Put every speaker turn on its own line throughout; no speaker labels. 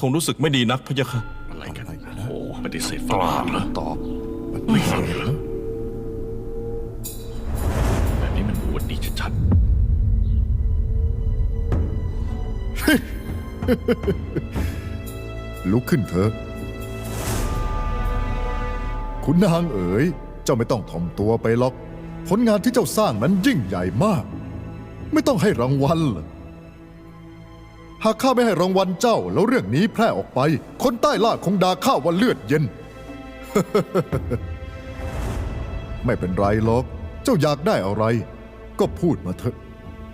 คงรู้สึกไม่ดีนักพะยะค่ะ
อะไรกันโอ้ปฏิเสธฝรั่งเหรอ
ตอบ
ไม่ฟังเหรอแบบนี้มันอวดดีชัด
ลุกขึ้นเถอะคุณนางเอ๋ยเจ้าไม่ต้องถ่อมตัวไปหรอกผลงานที่เจ้าสร้างนั้นยิ่งใหญ่มาก ไม่ต้องให้รางวัลเหรอหากข้าไม่ให้รางวัลเจ้าแล้วเรื่องนี้แพร่ออกไปคนใต้ล่าคงด่าข้าว่าเลือดเย็น ไม่เป็นไรหรอกเจ้าอยากได้อะไร ก็พูดมาเถอะ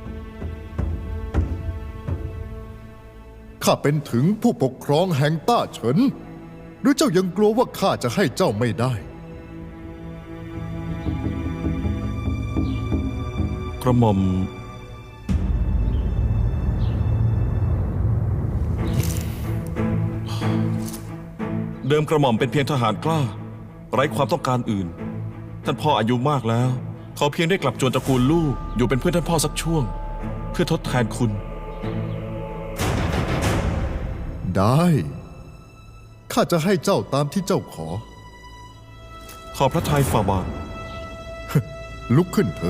ข้าเป็นถึงผู้ปกครองแห่งต้าเฉินหรือเจ้ายังกลัวว่าข้าจะให้เจ้าไม่ได้
กระหม่อมเดิมกระหม่อมเป็นเพียงทหารกล้า ไร้ความต้องการอื่น ท่านพ่ออายุมากแล้วขอเพียงได้กลับจวนตระกูลลูกอยู่เป็นเพื่อนท่านพ่อสักช่วง เพื่อทดแทนคุณ
ได้ข้าจะให้เจ้าตามที่เจ้าขอ
ขอพระทัยฝ่าบาท
ลุกขึ้นเถ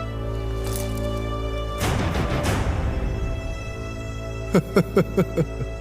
อะ